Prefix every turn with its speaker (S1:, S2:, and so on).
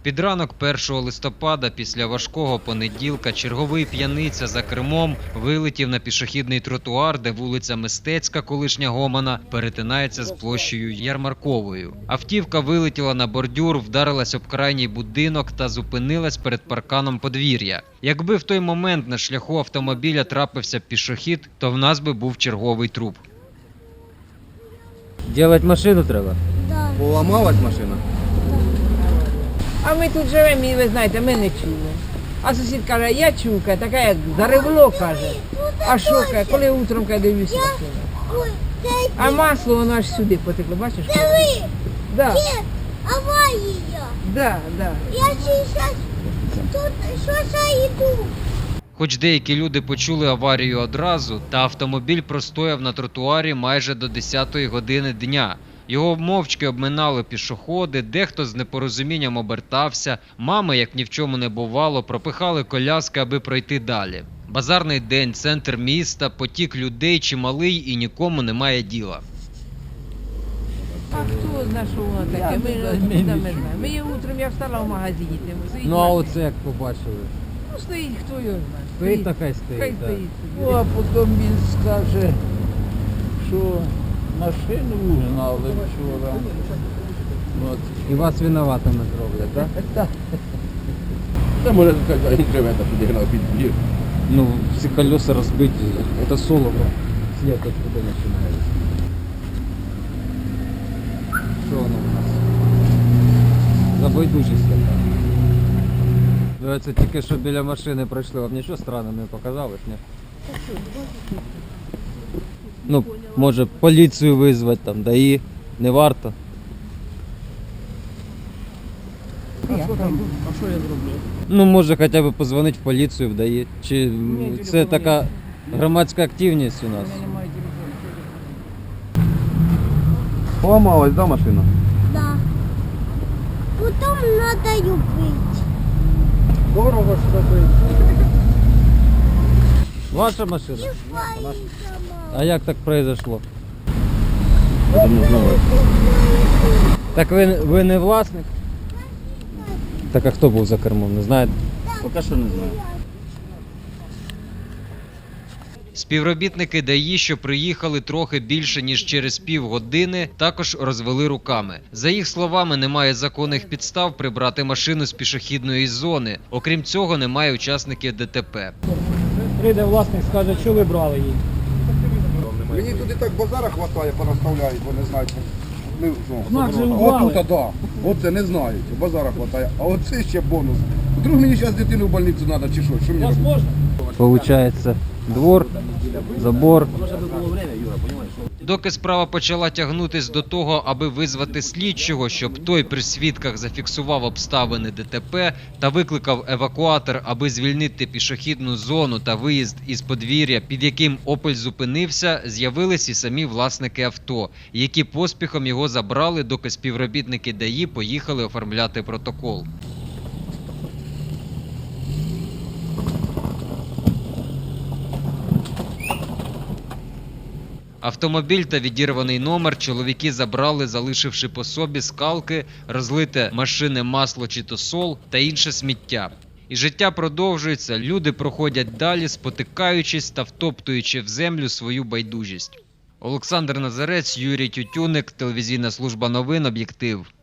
S1: Під ранок 1 листопада після важкого понеділка черговий п'яниця за кермом вилетів на пішохідний тротуар, де вулиця Мистецька, колишня Гомана, перетинається з площею Ярмарковою. Автівка вилетіла на бордюр, вдарилась об крайній будинок та зупинилась перед парканом подвір'я. Якби в той момент на шляху автомобіля трапився пішохід, то в нас би був черговий труп.
S2: Делать машину треба?
S3: Да.
S4: Поламалась машина?
S5: А ми тут живемо і ви знаєте, ми не чули. А сусід каже, я чув, каже, така як заревло, каже. А що, каже, коли утром каже, дивлюся машину.
S3: Ой, дай
S5: А масло воно аж сюди потекло, бачиш?
S3: диви,
S5: Да,
S3: є аварія.
S5: да, да.
S3: Я зараз тут що йду.
S1: Хоч деякі люди почули аварію одразу, та автомобіль простояв на тротуарі майже до 10-ї години дня. Його мовчки обминали пішоходи, дехто з непорозумінням обертався, мами, як ні в чому не бувало, пропихали коляски, аби пройти далі. Базарний день, центр міста, потік людей чималий і нікому немає діла.
S5: А хто знає, що воно таке? Ми не знаємо. Ми утром, я встала в магазині, там стоїть
S2: Ну а
S5: машина.
S2: оце як побачили?
S5: Ну стоїть, хто його знає.
S2: Стоїть та хай
S5: Хай
S2: стоїть. Да.
S5: стоїть.
S6: Ну, а потім він скаже, що машину угнали вчора. От.
S2: І вас винуватими зроблять, так? Да?
S4: Та може сказати, він живе та підігнав під двір.
S2: Ну, всі колеса розбиті, це солово. Слід откуда починається. Що воно у нас? Забайдужість така. Це тільки що біля машини пройшли, вам нічого странного не показалось, ні? Ну, може поліцію визвати там, да і не варто.
S6: А що я зроблю?
S2: Ну, може хоча б позвонити в поліцію, вдає. Чи це така громадська активність у нас?
S5: Мене немає телефону.
S4: Поламалась, да, машина?
S3: Да. Потім треба любити.
S6: Дорого ж робити.
S2: Ваша машина?
S3: Своїй
S2: А як так произошло?
S4: Я не знаю.
S2: Так ви не власник? Так а хто був за кермом, не знаєте?
S4: Поки що не знаю.
S1: Співробітники ДАІ, що приїхали трохи більше, ніж через півгодини, також розвели руками. За їх словами, немає законних підстав прибрати машину з пішохідної зони. Окрім цього, немає учасників ДТП.
S6: Прийде власник, скаже, що ви брали її.
S4: Мені туди так базара хватає, понаставляють, бо не знають.
S6: Знак же
S4: А
S6: ввали.
S4: отут, да. Оце не знають, базара хватає. А оце ще бонус. Вдруг мені зараз дитину в больницю треба чи що? Що мені робити?
S6: Можна?
S2: Получається двор, забор.
S1: Доки справа почала тягнутись до того, аби визвати слідчого, щоб той при свідках зафіксував обставини ДТП та викликав евакуатор, аби звільнити пішохідну зону та виїзд із подвір'я, під яким «Опель» зупинився, з'явились і самі власники авто, які поспіхом його забрали, доки співробітники ДАІ поїхали оформляти протокол. Автомобіль та відірваний номер чоловіки забрали, залишивши по собі скалки, розлите машини масло чи то сол та інше сміття. І життя продовжується, люди проходять далі, спотикаючись та втоптуючи в землю свою байдужість. Олександр Назарець, Юрій Тютюник, телевізійна служба новин «Об'єктив».